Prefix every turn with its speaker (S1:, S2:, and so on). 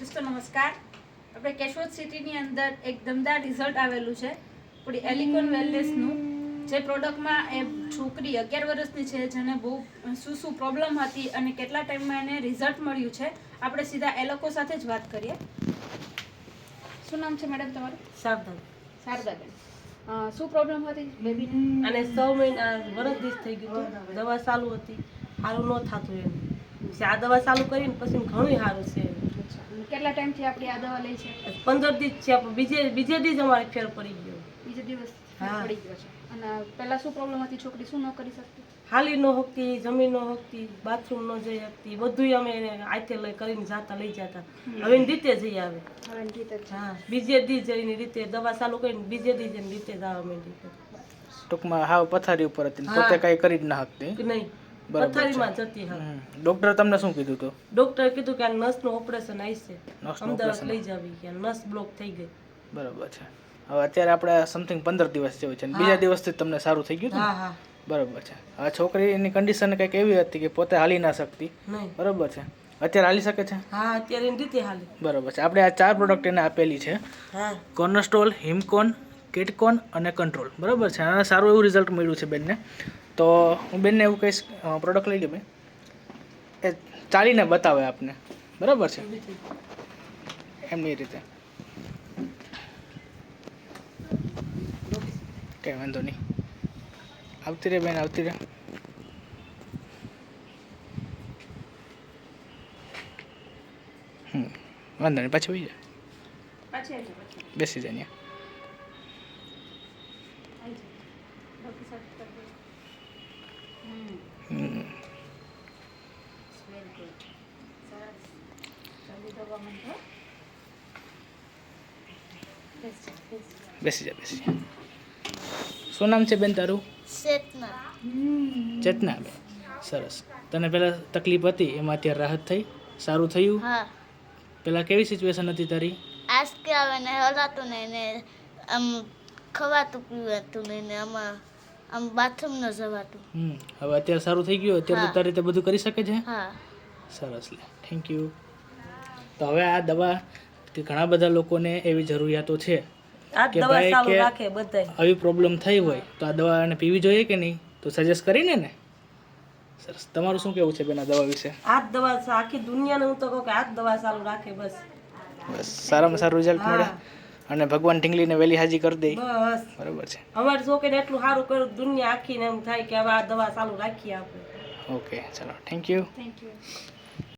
S1: દોસ્તો નમસ્કાર. આપણે કેશોદ સિટીની અંદર એક દમદાર રિઝલ્ટ આવેલું છે આપણી એલિકોન વેલનેસનું. જે પ્રોડક્ટમાં એ છોકરી 11 વર્ષની છે જેને બહુ શું પ્રોબ્લેમ હતી અને કેટલા ટાઈમમાં એને રિઝલ્ટ મળ્યું છે. આપણે સીધા એ લોકો સાથે જ વાત કરીએ. શું નામ છે મેડમ તમારું? શારદાબેન. શું પ્રોબ્લેમ હતી બેબીને?
S2: અને 6 મહિના વર્ષ દિવસ થઈ ગયું હતું. દવા ચાલુ હતી, સારું ન થતું એમ. આ દવા ચાલુ કરીને પછી ઘણું સારું છે.
S1: કેટલા ટાઈમથી આપણી આ દવા લઈ છે?
S2: 15 દિવસ છે. બીજે દિવસ અમારે ફેર પડી ગયો.
S1: બીજે દિવસ પડી ગયો છે. અને પહેલા શું પ્રોબ્લેમ હતી? છોકરી શું ન કરી શકતી?
S2: હાલી ન શકતી, જમીન ન શકતી, બાથરૂમ ન જઈ શકતી, બધું અમે આતે લઈ કરીને જાતા લઈ જતા. હવે એની રીતે જઈ આવે.
S1: હવે એની રીતે જ.
S2: હા, બીજે દી જઈને રીતે દવા ચાલુ કરીને બીજે દી જઈને રીતે જવા માંડી.
S3: ટૂંકમાં હાવ પથારી ઉપર હતી, પોતે કઈ કરી જ ન શકતી.
S2: નહીં,
S3: બરાબર છે.
S2: પથારીમાં જતી. હા,
S3: ડોક્ટરે તમને શું કીધું હતું?
S2: ડોક્ટરે કીધું કે આ નસનું ઓપરેશન આવશે,
S3: નસનું
S2: અમદાવાદ
S3: operation.
S2: લઈ જાવી કે નસ બ્લોક થઈ ગઈ.
S3: બરાબર છે. હવે અત્યારે આપણે સમથિંગ 15 દિવસ જેવું છે, અને બીજા દિવસથી તમને સારું થઈ ગયું હતું
S2: હા
S3: ને?
S2: હા.
S3: બરાબર છે. આ છોકરીની કન્ડિશન કંઈક એવી હતી કે પોતે હાલી ના શકતી.
S2: નહીં.
S3: બરાબર છે. અત્યારે હાલી શકે છે?
S2: હા, અત્યારે એની રીતે હાલી.
S3: બરાબર છે. આપણે આ 4 પ્રોડક્ટ એને આપેલી છે:
S2: હા.
S3: કોર્નરસ્ટોલ, હિમકોન, કિટકોન અને કંટ્રોલ. બરાબર છે. અને સારું એવું રિઝલ્ટ મળ્યું છે બેનને. તો હું બેનને એવું કહીશ, પ્રોડક્ટ લઈ લે બેન, એ ચાલીને બતાવે આપને. બરાબર છે. એમની રીતે કંઈ વાંધો નહીં. આવતી રહે બેન, આવતી રહે. વાંધો નહીં, પાછી હોઈ જાય,
S1: પાછી આવી જાઓ, પછી
S3: બેસી જાય ત્યાં.
S1: આવી જાઓ. ડોક્ટર સાથે કરી દો. Very good. સરસ. જલ્દી દવા માંડો. બેસી જાઓ, બેસી જાઓ.
S3: બેસી જાય, બેસી જાય. શું નામ છે બેન તારું? ચેતના બેન. સરસ. તને પહેલાં તકલીફ હતી, એમાં અત્યારે રાહત થઈ, સારું થયું?
S4: હા,
S3: પહેલાં કેવી સિચ્યુએશન હતી તારી?
S4: આંસકે આવે ને હલાતું નહીં ને આમ ખવાતું પીવાતું નહીં ને આમ બાથરૂમ ન જવાતું.
S3: હવે અત્યારે સારું થઈ ગયું? અત્યારે
S4: હા.
S3: તારી રીતે બધું કરી શકે છે?
S4: હા,
S3: સરસ. લે, થેન્ક યુ. તો હવે આ દવા કે ઘણા બધા લોકોને એવી જરૂરિયાતો છે
S2: આ
S3: કે
S2: દવા
S3: ભાઈ
S2: ચાલુ
S3: કે
S2: રાખે બધાય.
S3: આવી પ્રોબ્લેમ થઈ હોય તો આ દવા એને પીવી જોઈએ કે નહીં? તો સજેસ્ટ કરીને ને. સરસ. તમારું શું કહેવું છે બેન આ દવા વિશે?
S2: આ જ દવા આખી દુનિયાને હું તો કહું કે આ જ દવા ચાલુ રાખે બસ.
S3: બસ સારામાં સારું રિઝલ્ટ મળે
S2: હા.
S3: અને ભગવાન ઢીંગલીને વહેલી હાજી કરી દે.
S2: બસ
S3: બરાબર છે.
S2: અમારી છોકરીને એટલું સારું કર્યું, દુનિયા આખીને એમ થાય કે હવે આ દવા ચાલુ રાખીએ આપણે.
S3: ઓકે, ચલો, થેન્ક યુ.
S1: Thank you.